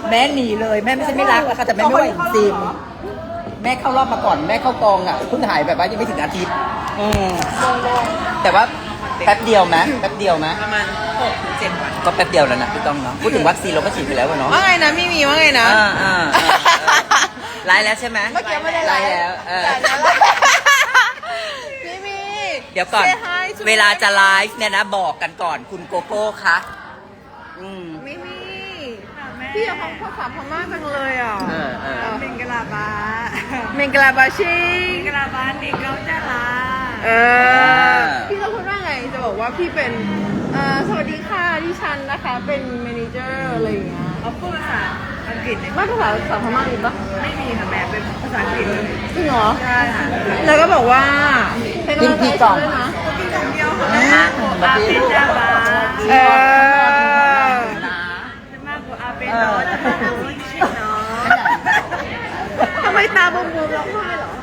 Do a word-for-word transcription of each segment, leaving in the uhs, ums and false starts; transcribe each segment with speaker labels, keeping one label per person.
Speaker 1: แม่หนีเลยแม่ไม่ใช่ไม่รักนะคะแต่แม่ไม่ไหวจริงแม่เข้ารอบมาก่อนแม่เข้ากองอ่ะเพิ่งหายแบบว่ายังไม่ถึงอาทิตย์อืมแต่ว่าแป๊บเดียวไหมแป๊บเดียวไหมประมาณหกถึงเจ็ดวันก็แป๊บเดียวแล้วนะพี่ต้องเนาะพูดถึงวัคซีนเราก็ฉีดไปแล้วเนาะ
Speaker 2: ว่าไงนะไม่มีว่าไงนะ
Speaker 1: อ่าอ่าไลฟ์แล้วใช่ไหม
Speaker 2: เมื่อกี้ไม่ได้ไลฟ์
Speaker 1: แล้วเออ
Speaker 2: ไม่มี
Speaker 1: เดี๋ยวก่อน
Speaker 2: Say hi to
Speaker 1: เวลาจะไลฟ์เนี่ยนะบอกกันก่อนคุณโกโก้คะอืม
Speaker 2: ไม่มีพี่อยากฟังภาษาพม่าจังเลยอ่ะ
Speaker 1: เออเออ
Speaker 2: เมงกลาบาเมงกลาบาชิงเมงกลาบาเด็กเราจะลาเออพี่ต้องพูดว่าไงจะบอกว่าพี่เป็นเอ่อสวัสดีค่ะดิฉันนะคะเป็นเมเนเจอร์อะไรอย่างเงี้ยเอาพูดภาษาอังกฤษไม่ภาษาภาษาพม่ามีปะไม่มีค่ะแม่เป็นภาษาอังกฤษเลยจริงเหรอใช่ค่ะแล้วก็บอกว่า
Speaker 1: กินกี่กล่อง
Speaker 2: นะกินกล่องเดียวค่ะ
Speaker 1: อาเป็นจ้าบา
Speaker 2: เออ
Speaker 1: เออ
Speaker 2: ทำไมตาบวมๆร้องไห้เหรอ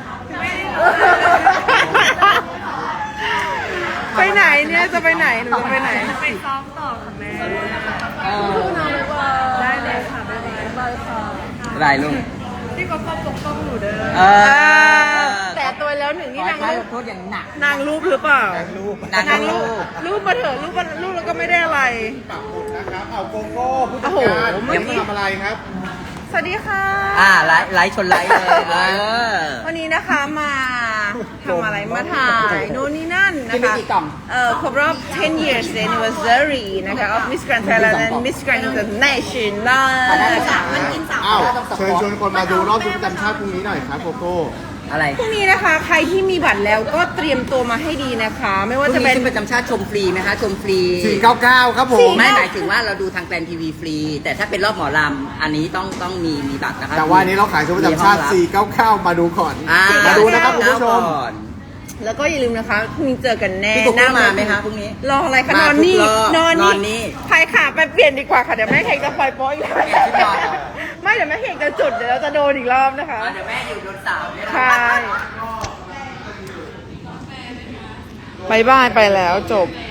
Speaker 2: ไปไหนเนี่ยจะไปไหนหนูจะไปไหนไปซ้อมต่อค่ะแม่พูดนานเลยว่าได้เลยค่ะบ๊ายบายบายค่ะ
Speaker 1: ไรลุง
Speaker 2: พี่ก็ป้องปกป้องหนูเด้อ
Speaker 1: เออ
Speaker 2: แต่ตัวแล้วหนึ่งนี่นาง
Speaker 1: ขอ
Speaker 2: รูป
Speaker 1: โทษอย่างหนัก
Speaker 2: นางรูปหรือเปล่า
Speaker 1: นาง
Speaker 2: นาง
Speaker 1: รู
Speaker 2: รู
Speaker 1: ป
Speaker 2: ปรูปมาเถอะรูปมารูปแล้วก็ไม่ได้อะไร
Speaker 3: ปักหมุดนะครับ เอาโกโก้ผู้จั
Speaker 2: โอ้
Speaker 3: ด
Speaker 2: โห
Speaker 3: การ
Speaker 2: เมื่อกี้
Speaker 3: ทำอะไรครับ
Speaker 2: สวัสดีค่ะ
Speaker 1: อ่าไลฟ์ไลฟ์ชนไลฟ์เลยเออ
Speaker 2: วันนี้นะคะมาทำอะไรมาถ่ายโน่นนี่นั่นนะ
Speaker 1: กินไป
Speaker 2: คะ
Speaker 1: กี่กล่อง
Speaker 2: เอ่อครบรอบten years anniversary นะคะ of Miss Grand Thailand and Miss Grand International มันกินสาม
Speaker 3: อ้าว เชิญชวนคนมาดูรอบชุดประจำชาติพรุ่งนี้หน่อยครับโกโก้
Speaker 1: อะไร
Speaker 2: พรุ่งนี้นะคะใครที่มีบัตรแล้วก็เตรียมตัวมาให้ดีนะคะ ไม่ว่า
Speaker 1: พรุ่
Speaker 2: จะ
Speaker 1: ง
Speaker 2: เป็
Speaker 1: นี้
Speaker 2: น
Speaker 1: ขึ้นประจำชาติชมฟรีไหมคะชมฟรี
Speaker 3: สี่เก้าเก้าครับผม
Speaker 1: ไม่หมายถึงว่าเราดูทางแกรนทีวีฟรี แต่ถ้าเป็นรอบหมอลำอันนี้ต้องต้องมีมีบัตรนะคะ
Speaker 3: แต่ว่าอันนี้เราขายชุดประจำชาติ สี่เก้าเก้า มาดูก่อน
Speaker 1: อ่า
Speaker 3: มาดูนะครับคุณผู้ชม
Speaker 1: ก่อน
Speaker 2: แล้วก็อย่าลืมนะคะพรุ่งนี้เจอกันแน่
Speaker 1: พี่กุ๊ก
Speaker 2: หน้
Speaker 1: มาไหมคะพรุ่งนี้
Speaker 2: รออะไรคะ
Speaker 1: มาน
Speaker 2: อนนี่
Speaker 1: ทุกรอบ
Speaker 2: นอน
Speaker 1: นอนนี่
Speaker 2: ใครขาไปเปลี่ยนดีกว่าค่ะเดี๋ยวแม่เฮงจะปล่อยโป๊ะอีกแล้ว
Speaker 1: เปลี่ยนชุดนอนเหรอ
Speaker 2: ไม่เดี๋ยวแม่เฮงจะจุดเดี๋ยวเราจะโดนอีกรอบนะคะ
Speaker 1: เดี๋ยวแม่อยู่โดนสาวเนี่ยนะ
Speaker 2: ใช่บายบายไปแล้วจบ